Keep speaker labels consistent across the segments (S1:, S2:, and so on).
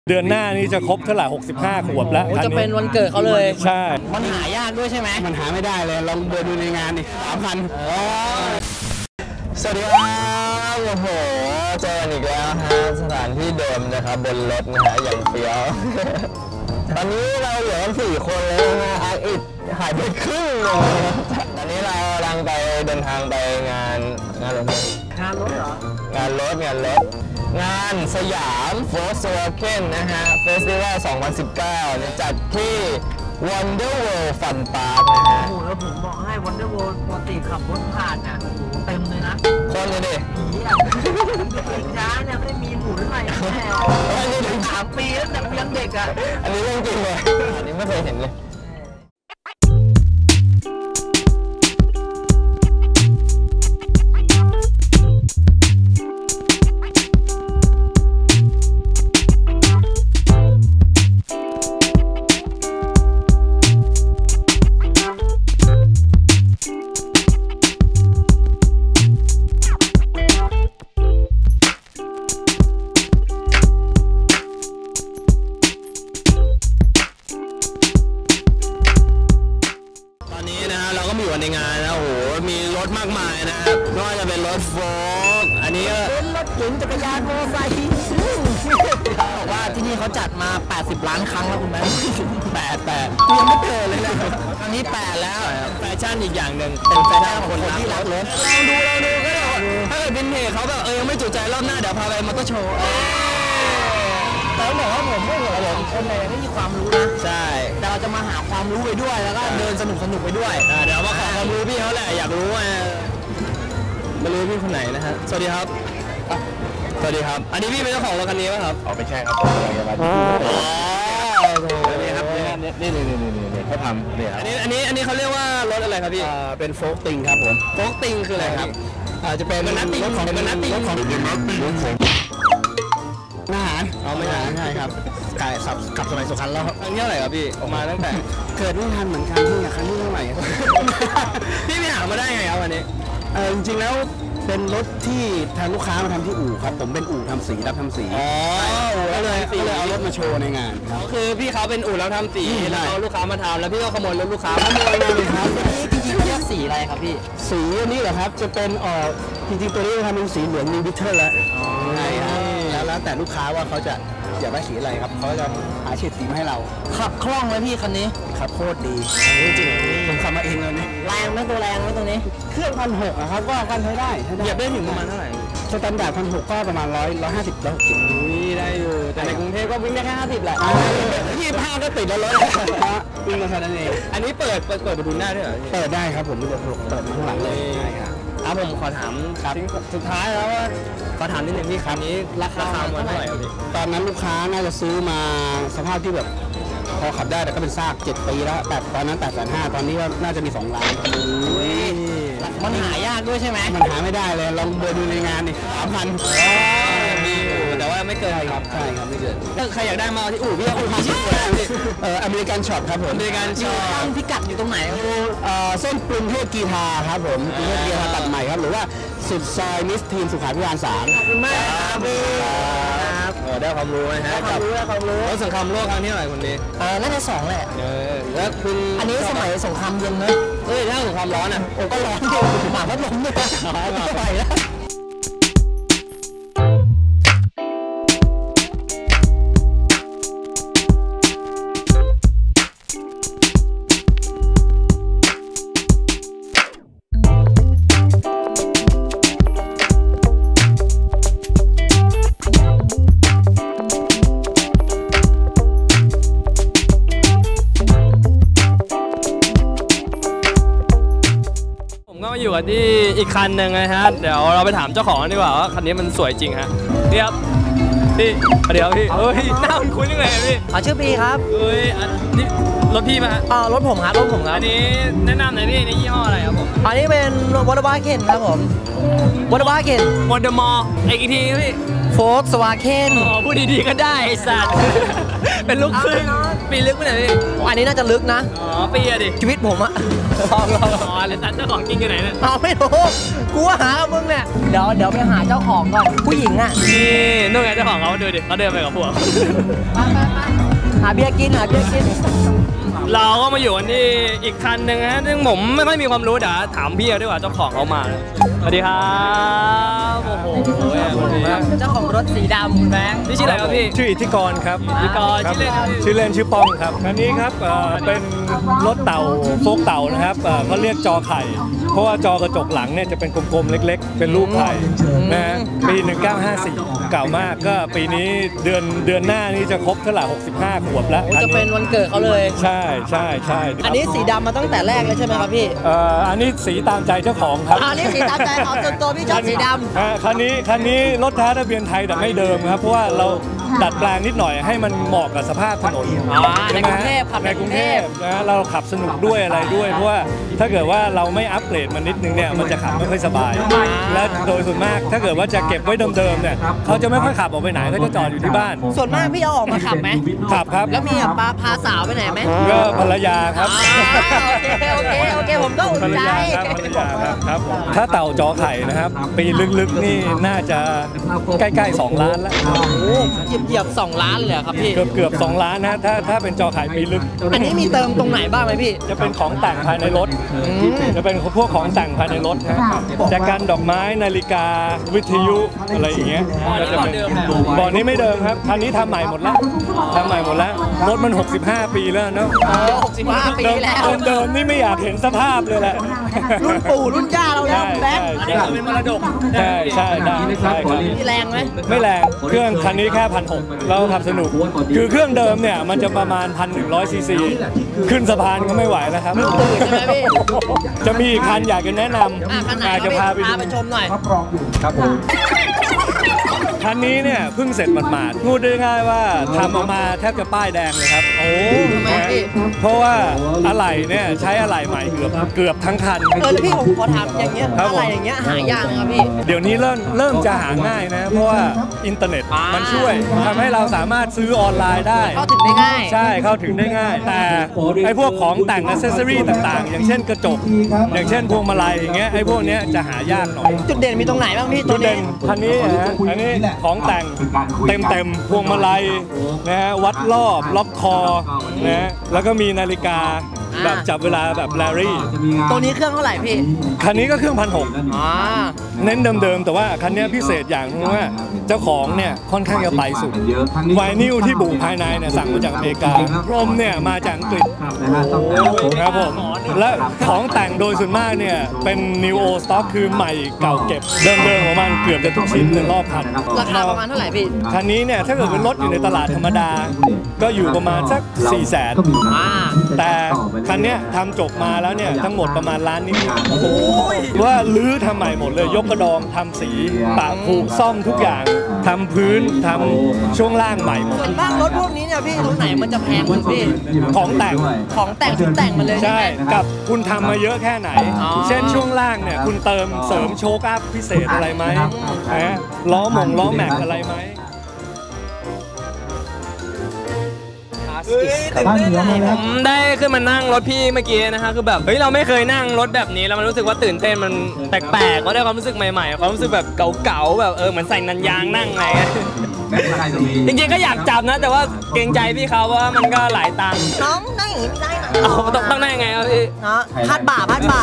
S1: เดือนหน้านี้จะครบเท่าไหร่65 ขวบแล้ว
S2: จะเป็นวันเกิดเขาเลย
S1: ใช่
S2: มันหายากด้วยใช่ไหม
S3: มันหาไม่ได้เลยลองเดินดูในงานดิ3,000สวัสดีครับโอ้โหเจอกันอีกแล้วฮะสถานที่เดิมนะครับบนรถนะฮะอย่างเฟี้ยวตอนนี้เราเหลือกัน4 คนแล้วนะอาร์อิดหายไปครึ่งเลยตอนนี้เรากำลังไปเดินทางไปงานรถเหรองานรถงานสยามโฟล์คสวาเก้นนะฮะเฟสติวัล2019จัดที่ Wonder World Fun Park นะฮะ
S2: โอ้โหแล้วผมบอกให้ Wonder World ปกติขับรถผ่านน่ะเต็มเลยนะ
S3: คนเลยดิ
S2: ผีอ่ะช้าเนี่ยไม่ได้มีหมุนอะไรแค่3 ปีแล้วแต่ยังเด็กอ่ะ
S3: อันนี้เรื่องจริงเลยอันนี้ไม่เคยเห็นเลยในงานนะโอ้โหมีรถมากมายนะครับไม่ว่าจะเป็นรถโฟล์คอันนี้
S2: เป็นรถเก๋งจักรยานมอเตอร์ไซค์บอกว่าที่นี่เขาจัดมา80 ล้านครั้งแล้วคุณแม่
S3: 8ยังไม่เกิดเลยนะ
S2: ครั้งนี้8แล้ว
S3: แฟชั่นอีกอย่างหนึ่งเป็นแฟชั่นของคนที่รักรถเราดูก็ได้ถ้าเกิดวินเทจเขาก็ยังไม่จุใจรอบหน้าเดี๋ยวพาไปมอเตอร์โชว์
S2: แต่บอกว่าผมไม่เหรอคนไหนไม่มีความรู้นะ
S3: ใช่
S2: แต่เราจะมาหาความรู้ไปด้วยแล้วก็เดินสนุกไปด้วย
S3: เดี๋ยวมาขอความรู้พี่เขาแหละอยากรู้ว่าไม่รู้พี่คนไหนนะฮะสวัสดีครับสวัสดีครับอันนี้พี่เป็นเจ้าของรถคันนี้ป่ะครับ
S1: ไม่ใช่ครับผมกำลังจะมา
S3: นี่ครับ
S1: นี่เขาทำเนี่ย
S3: อันนี้เขาเรียกว่ารถอะไรครับพี่
S1: เป็นโฟล์คติงครับผม
S3: โฟล์คติงคืออะไรครับ
S1: จะเป็น
S3: รถของ
S1: อาหาร
S3: ไม่
S1: ใช่ครับขับสมัยสุขันแล้ว
S3: ครั้งที่เท่าไหร่ครับพี่ออกมาตั้งแต่
S1: เกิดไม่ทันเหมือนกันที่ครั้งที่เท่าไหร่
S3: พี่ไปหามาได้ไงครับวันนี้
S1: จริงๆแล้วเป็นรถที่ทางลูกค้ามาทำที่อู่ครับผมเป็นอู่ทำสีรับทำสีก็เลยเอารถมาโชว์ในงาน
S3: ครับคือพี่เขาเป็นอู่แล้วทำสีแล้วเอาลูกค้ามาทำแล้วพี่ก็ขโมยรถลูกค้า
S1: ขโมยเลยครับ
S2: จริงๆเรียกสีอะไรครับพี่
S1: สีนี้เหรอครับจะเป็นจริงๆตัวนี้ทำเป็นสีเหลืองมีบิทเทิลแล้วใช่ครับแล้วแต่ลูกค้าว่าเขาจะอยากได้สีอะไรครับเขาจะหาเฉดสีมาให้เรา
S2: ขับคล่องไหมพี่คันนี้
S1: ขับโคตรดีจริงผมขับมาเองเลยนี่
S2: แรงไหมตัวแรงไหมตัวนี้
S1: เครื่อง1,600อะครับก็กันใช้ได้
S3: เหยียบได้ถึงประมาณเท่าไหร่
S1: สแตนดาร์ด1,600ก็ประมาณ150
S3: นี่ได้อยู่แต่ในกรุงเทพก็วิ่งได้แค่50แหละ
S1: 25ก็ติดแล้วรถวิ่งมาแค่นั้นเอง
S3: อันนี้เปิดประตูหน้าด้วยเหรอ
S1: เปิดได้ครับผมเปิดข้างหลังเลยใช่ครับ
S3: ผมขอถามสุดท้ายแล้วว่าขอถามนิดนึงพี่คันนี้ราคาเท่าไหร่พี่
S1: ตอนนั้นลูกค้าน่าจะซื้อมาสภาพที่แบบพอขับได้แต่ก็เป็นซาก7 ปีแล้วแต่ตอนนั้น850,000ตอนนี้ก็น่าจะมี2 ล้าน
S2: มันหายากด้วยใช่ไหม
S1: มันหาไม่ได้เลยลองเดินดูในงานดิ3,000
S3: มีอยู่แต่ว่าไม่เกิน
S1: ครับใช่ครับไม่เกิน
S3: ถ้าใครอยากได้มาที่อู่พี่ก็อู่พี่ชื่อ
S1: อเมริกันช็อปครับผม
S3: อเมริกันช็อป
S2: ตั้งพิกัดอยู่ตรงไหน
S1: เส้นกรุงเทพกีฬาครับผมกรุงเทพกีฬาตัดใหม่ครับหรือว่าสุดซอยมิสทีนสุขาภิบาล3
S2: ขอบคุณมากครับ
S3: ได้ความรู้นะฮะ
S2: ได้ความรู้
S3: แล้วสงครามโลกครั้งที่เท่าไหร่คนนี้
S2: น่าจะ2แหละ
S3: แล้วคุณ
S2: อันนี้สมัยสงครามเย็นนะ
S3: ถ้าสงครามร้อนอ่ะ
S2: ก็ร้อนอยู่หมาพัดลมเนี่ยไปแล้ว
S3: ก็มาอยู่กันที่อีกคันหนึ่งนะฮะเดี๋ยวเราไปถามเจ้าของดีกว่าว่าคันนี้มันสวยจริงฮะพี่ครับพี่เดี๋ยวพี่หน้าคุ้นยังไงพี่
S2: ชื่อปีครับ
S3: นี่รถพี่ป่ะฮะ
S2: รถผมครับ
S3: อันนี้แนะนำหน่อยพี่นี่ยี่ห้ออะไรครับผม
S2: อันนี้เป็นวอเตอร์บาร์เคนครับผมวอเตอร์บาร์เคน
S3: วอเตอร์มออีกทีพี่
S2: โฟกสวาเคน
S4: อ๋อพูดดีๆก็ได้ไอ้สัตว์ เป็นลูกครึ่งปีลึกไปไหนพี่
S2: อันนี้น่าจะลึกนะ
S4: อ๋อปีอะดิ
S2: ชีวิตผมอะลอง
S4: อ๋อแล้วสัตว์เจ้าของจริงอยู่ไหนเนี่ย
S2: เอาไม่รู้กูว่าหามึงเนี่ยเดี๋ยวไปหาเจ้าของก่อนผู้หญิงอะ
S4: นี่นู่นไงเจ้าของเขาดูดิเขาเดินไปกับพวก
S2: หาเบียร์กินหาเบียร์กิน
S4: เราก็มาอยู่กันที่อีกคันหนึ่งฮะซึ่งผมไม่ค่อยมีความรู้เดี๋ยวถามพี่เขาดีกว่าเจ้าของเขามาสวัสดีครับโอ้โห
S2: เจ้าของรถสีดำคุณแบงค์
S4: นี่ชื่ออะไรครับพี่
S5: ชื่ออิทธิกรครับ
S4: อิทธิกร
S5: ครับ
S4: ชื่อเล่นครับ
S5: ชื่อเล่นชื่อป้องครับอันนี้ครับเป็นรถเต่าโฟกเต่านะครับเขาเรียกจอไข่ เพราะว่าจอกระจกหลังเนี่ยจะเป็นกลมๆเล็กๆ เป็นรูปไข่นะฮะปี 1954 เก่ามากก็ปีนี้เดือนหน้านี้จะครบเท่าไหร่65 ขวบแล้ว
S2: จะเป็นวันเกิดเขาเลย
S5: ใช่ใช่ใช่
S2: อันนี้สีดำมาตั้งแต่แรกเลยใช่ไหมครับพี่
S5: อันนี้สีตามใจเจ้าของครับ
S2: อันนี้สีตามใจของส่วนตัวพี่ชอบสีดำ
S5: คันนี้รถท้าทะเบียนไทยแต่ไม่เดิมครับเพราะว่าเราดัดแปลงนิดหน่อยให้มันเหมาะกับสภาพถนน
S2: ในกรุงเทพขับ
S5: ในกรุงเทพนะเราขับสนุกด้วยอะไรด้วยเพราะว่าถ้าเกิดว่าเราไม่อัปเกรดมันนิดนึงเนี่ยมันจะขับไม่ค่อยสบาย และโดยส่วนมากถ้าเกิดว่าจะเก็บไว้เดิมๆเนี่ยเขาจะไม่ค่อยขับออกไปไหนเขาจะจอดอยู่ที่บ้าน
S2: ส่วนมากพี่เอาออกมาขับไหม
S5: ขับครับ
S2: แล้วมีแบบพาสาวไปไหนไหม
S5: ก็ภรรยาครับ
S2: โอเคผมก็อุ่
S5: ภร
S2: น
S5: ร
S2: ใจ
S5: ยาครับภรรยาครับถ้าเต่าจอไข่นะครับปีลึกๆนี่น่าจะใกล้ๆ2 ล้านแล้ว
S2: เหยียบ2 ล้านเลยครับพี่
S5: เกือบ2 ล้านนะถ้าเป็นจอไข่ปีลึก
S2: อันนี้มีเติมตรงไหนบ้างไหมพี่
S5: จะเป็นของแต่งภายในรถ จะเป็นพวกของแต่งภายในรถฮะแจกันดอกไม้นาฬิกาวิทยุอะไรอย่างเงี้ยก็จะเป็นบ่อนี้ไม่เดิมครับคันนี้ทำใหม่หมดแล้วรถมัน 65 ปีแล้วเนาะ
S2: 65 ปีแล้ว
S5: เดิมนี่ไม่อยากเห็นสภาพเลยแหละ
S2: รุ่นปู่รุ่นย่าเราแล้วแบงค์
S4: อันนี้คือเป็นมรดก
S5: ใช่ได้ครับ
S2: มีแรงไหม
S5: ไม่แรงเครื่องคันนี้แค่1,600เราขับสนุกคือเครื่องเดิมเนี่ยมันจะประมาณ 1,100 ซีซีขึ้นสะพานก็ไม่ไหวแล้วครับ
S2: ตื่นใช่ไหมพี่
S5: จะมีอีกคันอยากจะแนะน
S2: คันไหน
S5: ำอยากจะพาไปดู
S2: ชมหน่อย
S5: ครับผมคันนี้เนี่ยเพิ่งเสร็จหมาดๆพูดได้ง่ายว่าทำออกมาแทบจะป้ายแดงเลยครับ โอ้
S2: ทำไมพี่
S5: เพราะว่าอะไหล่เนี่ยใช้อะไหล่ใหม่เกือบทั้งคัน
S2: แล้วพี่ผมขอถามอย่างเงี้ย
S5: ครับผม
S2: อะไรอย่างเงี้ยหายากไหมครับพี่
S5: เดี๋ยวนี้เริ่มจะหาง่ายนะ เพราะว่าอินเทอร์เน็ตมันช่วยทำให้เราสามารถซื้อออนไลน์ได้
S2: เข้าถึงได้ง่าย
S5: ใช่เข้าถึงได้ง่าย แต่ไอ้พวกของแต่งอ c เซสซอรี่ต่างๆ อย่างเช่นกระจก อย่างเช่นพวงมาลัยอย่างเงี้ยไอ้พวกเนี้ยจะหายากหน่อย
S2: จุดเด่นมีตรงไหนบ้างพี่
S5: จุ
S2: ตัว
S5: ด
S2: นี้
S5: เด่นคันนี้นะฮะอันนี้ของแต่งเต็มพวงมาลัยนะฮะวัดรอบล็อกคอนะฮะแล้วก็มีนาฬิกาแบบจับเวลาแบบแลรี่
S2: ตัวนี้เครื่องเท่าไหร่พี่
S5: คันนี้ก็เครื่อง1,600 เน้นเดิมๆแต่ว่าคันนี้พิเศษอย่างนึงว่าเจ้าของเนี่ยค่อนข้างจะไปสุดไวนิลที่บุภายในเนี่ยสั่งมาจากอเมริกาพรมเนี่ยมาจากอังกฤษครับผมและของแต่งโดยส่วนมากเนี่ยเป็น New Old Stock คือใหม่เก่าเก็บเดิมๆของมันเกือบจะทุกชิ้นในรอบคัน
S2: ราคาประมาณเท่าไหร่พี่
S5: คันนี้เนี่ยถ้าเกิดเป็นรถอยู่ในตลาดธรรมดา ก็อยู่ประมาณสัก 400,000 แต่คันเนี้ยทำจบมาแล้วเนี่ยทั้งหมดประมาณล้านนิดๆว่าลื้อทำใหม่หมดเลยยกกระดองทำสีปะผูกซ่อมทุกอย่างทำพื้นทำช่วงล่างใหม่หมด
S2: ส่วนมากรถพวกนี้เนี่ยพี่ตรงไหนมันจะแพงสุดพี่
S5: ของแต่ง
S2: ของแต่งชุดแต่งมันเลยใช่
S5: ใช่
S2: ไหม
S5: กับคุณทำมาเยอะแค่ไหน
S2: อ๋อ
S5: เช่นช่วงล่างเนี่ยคุณเติมเสริมโชคอัพพิเศษอะไรไหมนะล้อแม็กอะไรไหม
S4: ผมได้ขึ้นมานั่งรถพี่เมื่อกี้นะฮะคือแบบเฮ้ยเราไม่เคยนั่งรถแบบนี้แล้วมันรู้สึกว่าตื่นเต้นมันแปลกๆก็ได้ความรู้สึกใหม่ๆความรู้สึกแบบเก่าๆแบบเหมือนใส่นันยางนั่งอะไรเงี้ยจริงๆก็อยากจับนะแต่ว่าเกรงใจพี่เขาว่ามันก็หลายตังค์
S2: น้องได้อย่างนี้ไม่ได้นะ
S4: เอาต้องได้ยังไงครับพี่
S2: เนาะพาดบ่า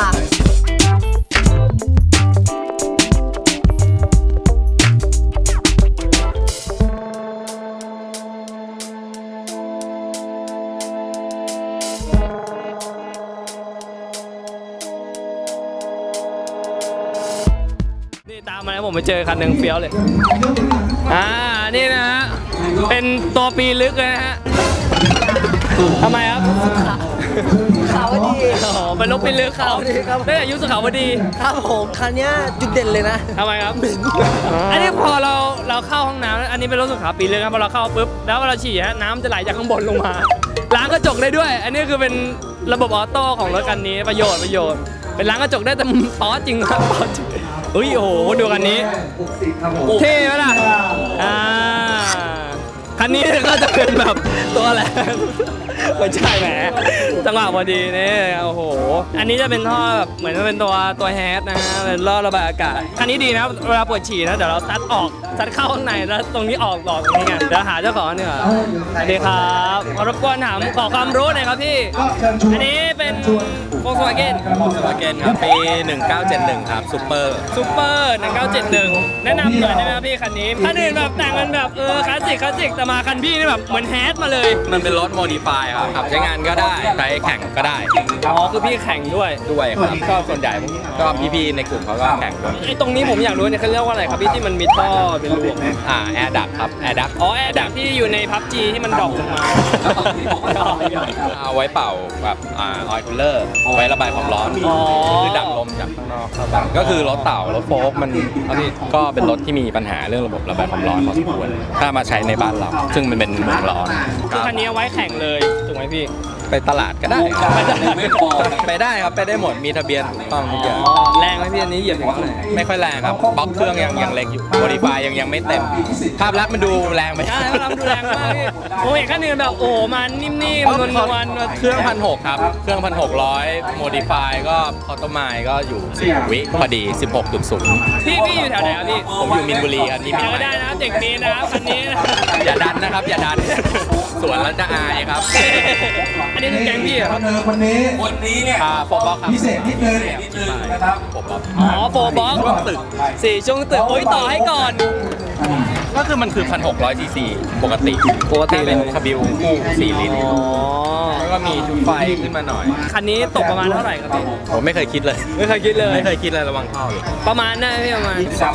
S4: นี่ตามมาแล้วผมไปเจอคันหนึ่งเฟี้ยวเลยนี่นะฮะเป็นตัวปีลึกเลยนะฮะทำไมครับ
S2: ขาวดี
S4: อ๋อเป็นรถปีลึกเขาได้อายุสุขาวดี
S2: ครับผมคันเนี้ยจุดเด่นเลยนะ
S4: ทำไมครับ อันนี้พอเราเข้าห้องน้ำอันนี้เป็นรถสุขาปีเลยครับพอเราเข้าปุ๊บแล้วเวลาฉี่ฮะน้ำจะไหลจากข้างบนลงมาล้างกระจกได้ด้วย อันนี้คือเป็นระบบออโต้ของรถคันนี้ประโยชน์เป็นล้างกระจกได้แต่ป๊อจริงครับป๊อจริงเฮ้ยโอ้โหดูคันนี้เท่ไหมล่ะคันนี้ก็จะเป็นแบบตัวอะไรไม่ใช่แหมจังหวะพอดีนี่โอ้โหอันนี้จะเป็นท่อแบบเหมือนจะเป็นตัวแฮชนะฮะเป็นท่อระบายอากาศคันนี้ดีนะเวลาปวดฉี่นะเดี๋ยวเราซัดออกซัดเข้าข้างในแล้วตรงนี้ออกตรงนี้ไงเดี๋ยวหาเจ้าของเนี่ยสวัสดีครับรบกวนถามขอความรู้หน่อยครับพี่อันนี้เป็นVolkswagen
S3: ครับปี 1971 ครับซูเปอร์
S4: 1971แนะนำหน่อยได้ไหมครับพี่คันนี้คันอื่นแบบแต่งกันแบบคลาสสิกแต่มาคันพี่นี่แบบเหมือนแฮชมาเลย
S3: มันเป็นรถโมดิฟายครับขับใช้งานก็ได้ใช้แข่งก็ได้
S4: อ๋อคือพี่แข่งด้วย
S3: ครับก็ส่วนใหญ่ก็พี่ๆในกลุ่มเขาก็แข่งด้วย
S4: ไอ้ตรงนี้ผมอยากรู้เนี่ยเขาเรียกว่าอะไรครับพี่ที่มันมีท่อเป็นรู
S3: แอร์ดักครับแอร์ดัก
S4: อ๋อแอร์ดักที่อยู่ใน PUBG ที่มันดรอปลงมา
S3: เอาไว้เป่าแบบออยล์คูลเลอร์ไว้ระบายความร้อนคือดักลมจากข้างนอกเข้าไปก็คือรถเต่ารถโฟล์กมันก็เป็นรถที่มีปัญหาเรื่องระบบระบายความร้อนพอสมควรถ้ามาใช้ในบ้านเราซึ่งมันเป็นเมืองร้อน
S4: คือคันนี้เอาไว้แข่งเลยถูกไหมพี่
S3: ไปตลาดก็ได้ไปได้ครับไปได้หมดมีทะเบียนถูกต้องทุกอย่าง
S4: แรงไหมพี่อันนี้เหยียบอย่างไร
S3: ไม่ค่อยแรงครับบล็อกเครื่องยังเล็กอยู่โมดิฟายยังไม่เต็มภาพลักษณ์มันดูแรงไป
S4: ใช่ภาพลักษณ์ดูแรงมากพี่โอ้ยคันนี้แบบโอ้มันนิ่มๆนวล
S3: เครื่อง1,600ครับเครื่อง1,600โมดิฟายก็คอตโตไมล์ก็อยู่4 วิพอดี 16.0
S4: พี่อยู่แถวไหนครับพี่
S3: ผมอยู่มินบุรีครับนี่
S4: มีไม่ได้นะเด็กมีนะครับคันนี้
S3: อย่าดันนะครับอย่าดันสวนแล้วจะอายครับ
S4: อันนี้คือแก๊งพี่ครับ
S6: วันนี้เนี่ย
S3: โฟบ็อกครับ
S6: พิเศษนิดนึงนะครับ
S3: โฟบ็อก
S4: โฟบ็อก
S3: ช่วงตึก
S4: 4ช่วงตึกโอ้ยต่อให้ก่อน
S3: ก็คือมันคือ 1,600 cc ปกติเป็นคาบิลคู่4 ลิตรแล้วก็มีชุดไฟขึ้นมาหน่อย
S4: คันนี้ตกประมาณเท่าไหร่ครับพี่
S3: ผมไม่เคยคิดเลย
S4: ไม่เคยคิด
S3: เลยระวังท่อเลย
S4: ประมาณได้พี่ประมาณ
S3: สัก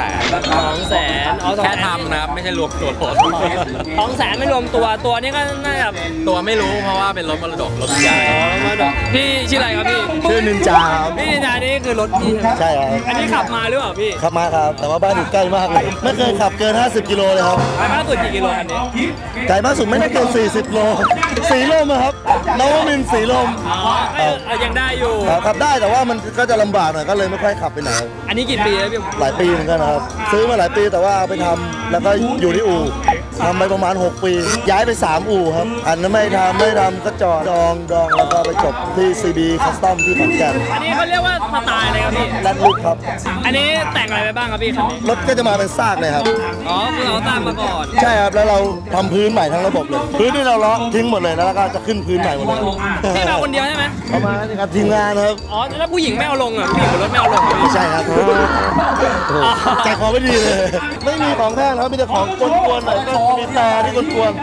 S3: 200,000แค่ทำนะครับไม่ใช่รวมตัวรถ
S4: 200,000ไม่รวมตัวนี้ก็น่าจะ
S3: ตัวไม่รู้เพราะว่าเป็นรถมรดกรถใหญ่
S4: พี่ชื่ออะไรครับพี่
S1: ชื่อนินจาครับ
S4: พี่นินจานี่คือรถพี่
S1: ใช่ครับ
S4: อันนี้ขับมาหรือเปล่าพี่
S1: ขับมาครับแต่ว่าบ้านอยู่ใกล้มากเลยไม่เคยขับเกิน50 กิโลเลยครับ
S4: ไกลมากสุดกี่กิโลอันนี้
S1: ไกลมากสุดไม่ได้เกิน40 โลสีลมครับนวมินทร์สีลม
S4: ยังได้อยู่
S1: ขับได้แต่ว่ามันก็จะลำบากหน่อยก็เลยไม่ค่อยขับไปไหน
S4: อันนี้กี่ปีแล้วพี่
S1: หลายปีเหมือนกันนะครับซื้อมาหลายปีแต่ว่าเอาไปทำแล้วก็อยู่ที่อู่ทำไปประมาณ6 ปีย้ายไป3 อู่ครับอันนั้นไม่ทำก็จอดดองแล้วก็ไปจบที่ CB Custom ที่ขอนแก่น
S4: อันนี้เขาเรียกว่าสไตล์อะไรครับพี่
S1: แลนด์ลุคครับ
S4: อันนี้แต่งอะไรไปบ้างครับพี่
S1: รถก็จะมาเป็นซากเลยครับ
S4: คือเราสร้างมาก่อน
S1: ใช่ครับแล้วเราทำพื้นใหม่ทั้งระบบเลยพื้นที่เราเลาะทิ้งหมดเลยแล้วก็จะขึ้นพื้นใหม่หมดเลย
S4: พี่มาคนเดียวใช่ไหม
S1: ประมาณนี้ครับทีมงานครับ
S4: แล้วผู้หญิงไม่เอาลงอ่ะผู้หญิงบนรถไม่เอาลง
S1: ไม่ใช่ครับใจคอไม่ดีเลยไม่มีของแท้ครับมีแต่ของกวนๆหน่อยก็มีแต่ที่กวน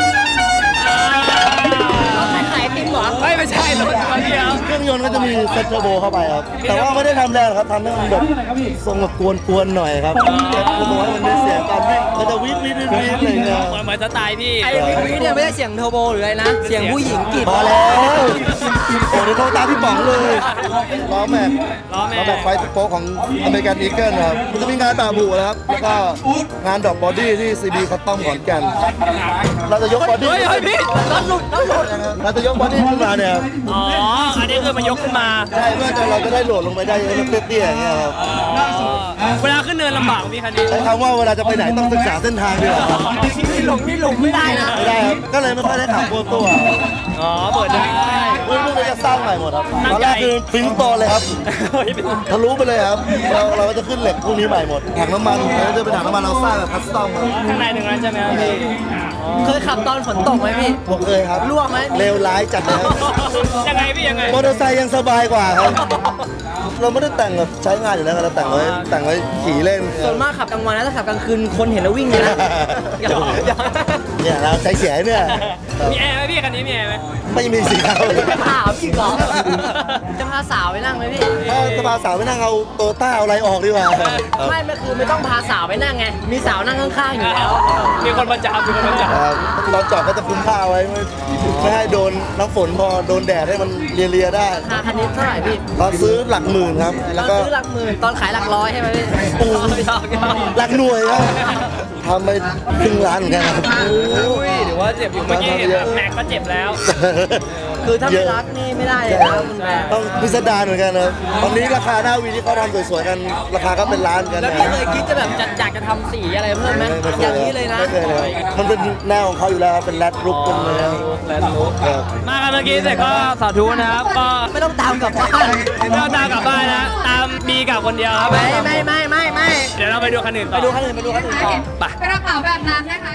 S4: ขายติมหรอไม่ใช่รถเดียว
S1: เครื่องยนต์ก็จะมีเซ็ตเทอร์โบเข้าไปครับแต่ว่าไม่ได้ทำแรงครับทำให้มันแบบทรงแบบกวนๆหน่อยครับคือตัวมันมีเสียงการวิ่งมันจะวิ่งอะไรเงี้ย
S4: เหมือนสไตล์พี่
S2: ไอ้วิ่งเนี่ยไม่ได้เสียงเทอร์โบหรืออะไรนะเสียงผู้หญิงกรีด
S1: พอแล้วโอ้เดี๋ยวโทรตามพี่ป๋องเลยล้อแม็กไฟสโป๊กของอเมริกันอีเกิลครับมันจะมีงานแบบบุนะครับแล้วก็งานดอกบอดี้ที่ CB Custom ขอนแก่นเราจะยกบอดี้
S4: เฮ้ยพี่รถหลุด
S1: เราจะยกบอดี้ขึ้นมาเนี่ย
S4: อันนี้คือมันยกขึ้นมา
S1: ใช่เพื่อเราจะได้โหลดลงไปได้เตี้ยๆอย่างเงี้ยครับ
S4: เวลาขึ้นเนินลำบากพี่คันนี้
S1: ใช้คำว่าเวลาจะไปไหนต้องศึกษาเส้นทางดีกว่า
S2: นี่หลงไม่ได้นะ
S1: ไม่ได้ครับก็เลยไม่ค่อยได้ขับตัว
S4: เปิดได้
S1: พวกเราจะสร้างใหม่หมดครับตอนแรกคือฟินโตเลยครับทะลุไปเลยครับเราก็จะขึ้นเหล็กพวกนี้ใหม่หมดถังน้ำมันเราจะเป็นถังน้ำมันเราสร้างแบบคัสตอม
S4: ข้างในหนึ่งนั้นใช่ไหมพี่
S2: เคยขับตอนฝนตกไหมพี่
S1: ผมเคยครับ
S2: ล่วงไหม
S1: เลวร้ายจัดเลย
S4: ยังไงพี่ยังไง
S1: มอเตอร์ไซค์ยังสบายกว่าครับเราไม่ได้แต่งแบบใช้งานอยู่แล้วเราแต่งไว้ขี่เล่น
S2: ส่วนมากขับกลางวันนะถ้าขับกลางคืนคนเห็นแล้ววิ่งเลยนะ
S1: เนี่ยเราใจเสียเนี่ย
S4: มีแอร์ไหมพี่คันนี้มีแอร์ไหม
S1: ไม่มีสิครับ
S2: ถามอีกเหรอจะพาสาวไปนั่งไหมพี่
S1: ถ้าจะพาสาวไปนั่งเอาโตต้าเอาอะไรออกดีกว่า
S2: ไม่คือไม่ต้องพาสาวไปนั่งไงมีสาวนั่งข้างๆอยู่แล้ว
S4: มีคนประจำ
S1: ตอนจอดก็จะคุมผ้าไว้ไม่ให้โดนน้ำฝนพอโดนแดดให้มันเลียได้
S2: ราคาคันนี้เท่าไหร่พี่
S1: ตอนซื้อหลักหมื่นครับแล้วก็
S2: ซื้อหลักหมื่นตอนขายหลักร้อยใช่ไหมพี่
S1: หลักหน่วยครับทำไปครึ่งล้านเหมือนกันครับ
S4: หรือว่าเจ็บอยู่เมื่อกี้แม็กก็เจ็บแล้ว
S2: คือถ้า
S1: เย
S2: ไม่
S1: อะ
S2: รักนี่ไม่ได้เลยนะคุณแม่
S1: ต้องพิสดารเหมือนกันนะครับตอนนี้ราคาหน้าวีที่เขาทำสวยๆกันราคาก็เป็นล้านกัน
S2: แล้ว
S1: นะ
S2: พี่เคยคิดจะแบบอยากจะทำสีอะไรเพิ่มไหมอย่างนี้เลยนะ
S1: ไม่เคยเลยมันเป็นแนวของเขาอยู่แล้วครับเป็นแรดลุกเป็นอะไรครับ
S4: มากันเมื่อกี้เสร็จก็สาธุนะครับก็
S2: ไม่ต้องตามกลับบ้าน
S4: ไม่ต้องตามกลับบ้านนะตามบีกลับคนเดียวครับ
S2: ไม่
S4: เดี๋ยวเราไปดูคันอื่นต่
S2: ไป
S4: อ
S2: ดูคันอื่นต่อ
S4: ไป
S7: กระเป๋าแบบนั้นนะคะ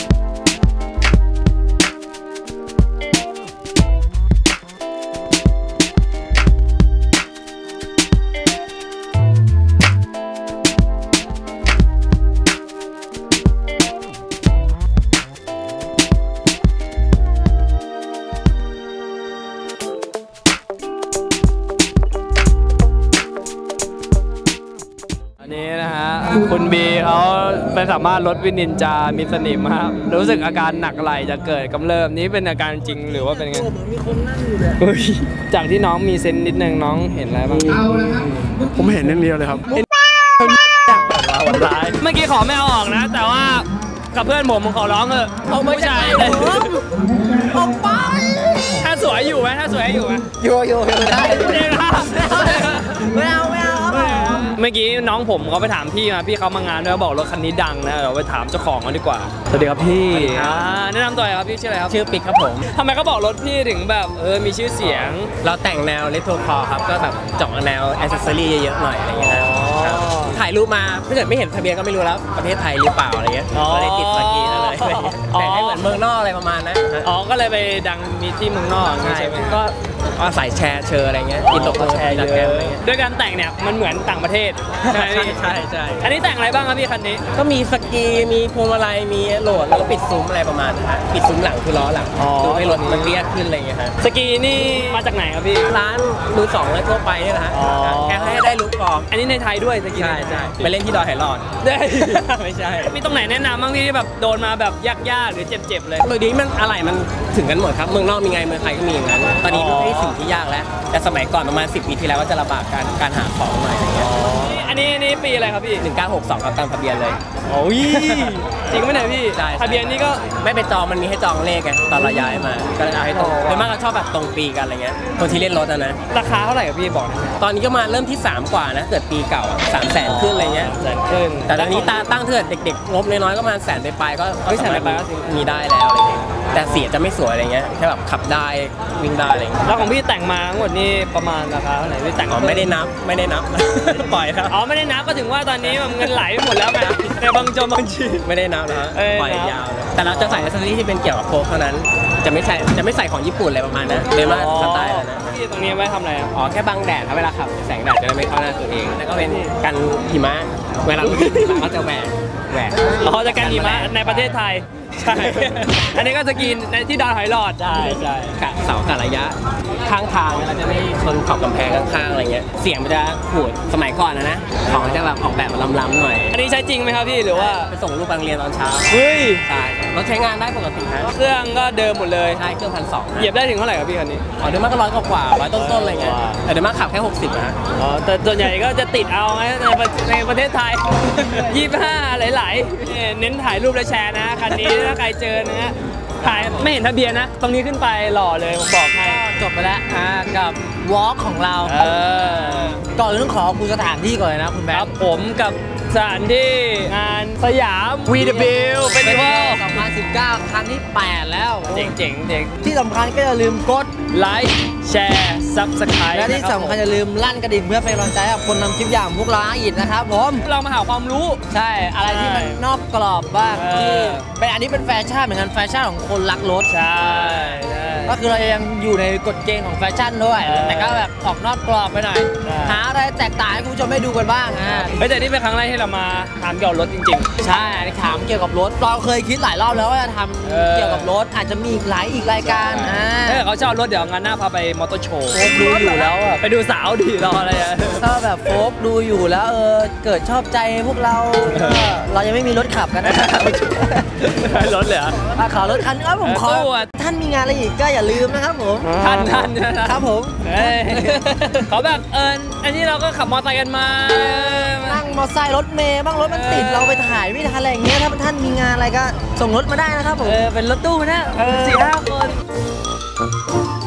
S4: อันนี้นะฮะคุณบีเขาไปสามารถลดวินินจามีสนิมครับรู้สึกอาการหนักไหลจะเกิดกำเริบนี้เป็นอาการจริงหรือว่าเป็นไง
S2: เหมือนมีคนนั่งอยู่เลย
S4: เฮ้ยจากที่น้องมีเซนส์นิดนึงน้องเห็นอะไรบ้าง
S5: ผมเห็นนิดเดียวเลยครับ
S4: วันร้ายเมื่อกี้ขอไม่เอาออกนะ แต่ว่ากับเพื่อนผมขอร้องเถอะผู้ชาย
S2: ออกไป
S4: ถ้าสวยอยู่ไหมถ้าสวยอยู่ไหม
S2: โยได้
S4: เองนะ
S2: ไม่เอา
S4: เมื่อกี้น้องผมเขาไปถามพี่มาพี่เขามางานด้วยบอกรถคันนี้ดังนะเราไปถามเจ้าของกันดีกว่าสวัสดีครับพี่แนะนำตัวหน่อยครับพี่ชื่ออะไรครับ
S3: ชื่อปิกครับผม
S4: ทำไมเขาบอกรถพี่ถึงแบบมีชื่อเสียง
S3: เราแต่งแนวเลโทรคอร์ครับก็แบบเจาะแนวแอคเซสซอรี่เยอะๆหน่อยอะไรเงี้ยครับถ่ายรูปมาถ้าเกิดไม่เห็นทะเบียนก็ไม่รู้แล้วประเทศไทยหรือเปล่าอะไรเงี้ย
S4: อ๋อ
S3: ก็เลยติดสกีนั่นเลย
S4: อ๋อ
S3: แต่งให้เหมือนเมืองนอกอะไรประมาณนั้น
S4: อ๋อก็เลยไปดังมีที่เมืองนอกอย่างงี้
S3: ใช่
S4: ใช่ไหม
S3: ก็อาศัยแชร์เชอร์อะไรเงี้ยอินโตก็แชร์เยอะอะไรเงี้ย
S4: ด้วยการแต่งเนี่ยมันเหมือนต่างประเทศใช่ไหมพี่
S3: ใช่ใช่
S4: อันนี้แต่งอะไรบ้างครับพี่คันนี้
S3: ก็มีสกีมีพวงมาลัยมีโหลดแล้วก็ปิดซุ้มอะไรประมาณนั้นฮะปิดซุ้มหลังคือล้อหลัง
S4: อ๋อ
S3: ดูให้รถมันเรียกขึ้นอะไรเงี้ยฮะ
S4: สกีนี่มาจากไหนครับพี่
S3: ร้านมือสองและทั่วไปเนี่ยนะฮะ
S4: อ๋อ
S3: แค่ให้ได้ลุกพอ
S4: อันนี้ในไทยด้วยสกี
S3: ใช่ใช่ไปเล่นที่ดอยไหหลอด
S4: ได้
S3: ไม่ใช่
S4: มีตรงไหนแนะนำบ้างพี่ที่แบบโดนมาแบบยากๆหรือเจ็บๆเลย
S3: เดี๋ยวนี้มันอะไรมันถึงกันหมดครับเมืองนอกมีไงเมืองไทยก็มีอย่างนั้นตอนนี้ไม่ใช่สิ่งที่ยากแล้วแต่สมัยก่อนประมาณ10 ปีที่แล้วก็จะลำบากการหาของหน่อยอะไรเงี้ย
S4: อันนี้ปีอะไรครับพี่
S3: 1962ครับตามทะเบียนเลย
S4: โอ้ยจริงไหมเนี่ยพี่
S3: ใช่
S4: ทะเบียนนี่ก็
S3: ไม่เป็นจองมันมีให้จองเลขไงตอนเราย้ายมาก็เอาให้ตรงโดยมากเราชอบแบบตรงปีกันอะไรเงี้ยคนที่เล่นรถนะ
S4: ราคาเท่าไหร่ครับพี่บอกหน่อย
S3: ตอนนี้ก็มาเริ่มที่ 3 กว่านะเกิดปีเก่า300,000ขึ้นอะไรเงี้ย
S4: แสนขึ้น
S3: แต่ตอนนี้ตั้งเถิดเด็กๆงบน้อยๆก็มา100,000ไปก็
S4: เฮ้ย100,000ไปก็
S3: มีได้แล้วอะไรเงี้ยแต่เสียจะไม่สวยอะไรเงี้ยแค่แบบขับได้วิ่งได้อะไรเงี้ย
S4: แล้วของพี่แต่งมาทั้งหมดนี่ประมาณราคาเท่าไหร่พี่แต่ง
S3: อ๋อไม่ได้นับ ปล่อยครับ
S4: อ๋อไม่ได้นับก็ถึงว่าตอนนี้แบบเงินไหลไปหมดแล้วไงในบางจบางชี
S3: ไม่ได้นับนะฮะ
S4: เอ้ย
S3: ปล่อยยาวเลยแต่เราจะใส่อ c เซสซอรี่ที่เป็นเกี่ยวกับโค้กเท่านั้นจะไม่ใส่ของญี่ปุ่นอะไรประมาณนั้นเลยมาสไตล์แล้วนะ
S4: พี่ตรงนี้ไว้ทำอะไรอ่ะ
S3: อ๋อแค่บังแดดครับเวลาขับแสงแดดจะได้ไม่เข้าหน้าตัวเอง แล้วก็เป็นกันหิมะเวลาเราหิมะก็จะแหวก
S4: อ๋อจะกันหิมะในประเทศไทย ใช่ อันนี้ก็สกีนในที่ดอยหอยหลอด
S3: ใช่กะเสากะระยะข้างทางเราจะไม่ชนขอบกำแพงข้างๆอะไรเงี้ยเสียงมันจะขูดสมัยก่อนนะของจะแบบออกแบบล้ำๆหน่อย
S4: อันนี้ใช้จริงไหมครับพี่หรือว่า
S3: ไปส่งลูกไปโรงเรียนตอนเช้า
S4: เฮ้ย
S3: ใช่รถใช้งานได้ปกติฮะ
S4: เครื่องก็เดิมหมดเลย
S3: ใช่เครื่อง1,200
S4: เหยียบได้ถึงเท่าไหร่ครับพี่คันนี้
S3: อ๋อเดี๋ยวมากก็100 กว่า100 ต้นๆอะไรเงี้ยแต่เดี๋ยวมากขับแค่60นะ
S4: อ๋อแต่ส่วนใหญ่ก็จะติดเอาไงในประเทศไทย 25หลายๆเน้นถ่ายรูปและแชร์นะคันนี้ถ้าใครเจอนะฮะถ่ายไม่เห็นทะเบียนนะ ตรงนี้ขึ้นไปหล่อเลยผมบอกให้
S2: จบไปแล้วกับวอล์กของเรา ก่อนอื่นต้องขอบคุณสถานที่ก่อนเลยนะคุณแบ
S4: ค
S2: ง
S4: รับ
S2: ค์
S4: ผมกับสถานที่งานสยาม VW
S2: เป็น
S4: Festival
S2: 2019 ครั้งที่ 8 แล้ว
S4: เจ๋งๆเจ๋ง
S2: ที่สำคัญก็อย่าลืมกด
S4: ไลค์แชร์ซับสไครต์
S2: และที่สำคัญอย่าลืมลั่นกระดิ่งเพื่อเป็นกำลังใจให้กับคนนำคลิปอย่างพวกเราอีกนะครับผม
S4: เรามาหาความรู้
S2: ใช่อะไรที่มันนอกกรอบบ้าง
S4: เออ
S2: ที่เป็นอันนี้เป็นแฟชั่นเหมือนกันแฟชั่นของคนรักรถ
S4: ใช่ใช่
S2: ก็คือเรายังอยู่ในกฎเกณฑ์ของแฟชั่นด้วย แต่ก็แบบออกนอกกรอบไปหน่อย
S4: ใช่
S2: หาอะไรแตกต่างให้คุณผู้ชมได้ดูกันบ้าง
S4: เฮ้ยแต่นี่เป็นครั้งแรกที่เรามาถามเกี่ยวกับรถจริง
S2: ใช่อันนี้ถามเกี่ยวกับรถเราเคยคิดหลายรอบแล้วว่าจะท
S4: เออ
S2: ำเกี่ยวกับรถอาจจะมีอีกรายการ
S4: ๆถ้าเกิดเขาชอบรถเดี๋ยวงานหน้าพาไปมอเตอร์โชว์
S2: โฟกดูอยู่แล้วอะ
S4: ไปดูสาวดิรออะไรอะ
S2: ถ้าแบบโฟกดูอยู่แล้วเกิดชอบใจพวกเราก็เรายังไม่มีรถขับกันนะ
S4: รถเลยเหรอ
S2: ขอรถคันนึงผมขอ
S4: ตู้อะ
S2: ท่านมีงานอะไรอีกก็อย่าลืมนะครับผม
S4: ท่านนะครับ
S2: ผม
S4: เฮ้ยเขาแบบอันนี้เราก็ขับมอเตอร์ไซค์กันมา
S2: นั่งมอเตอร์ไซค์รถเมย์บ้างรถมันติดเราไปถ่ายไม่ทันอะไรอย่างเงี้ยถ้าท่านมีงานอะไรก็ส่งรถมาได้นะครับผม
S4: เป็นรถตู้นะ4-5 คน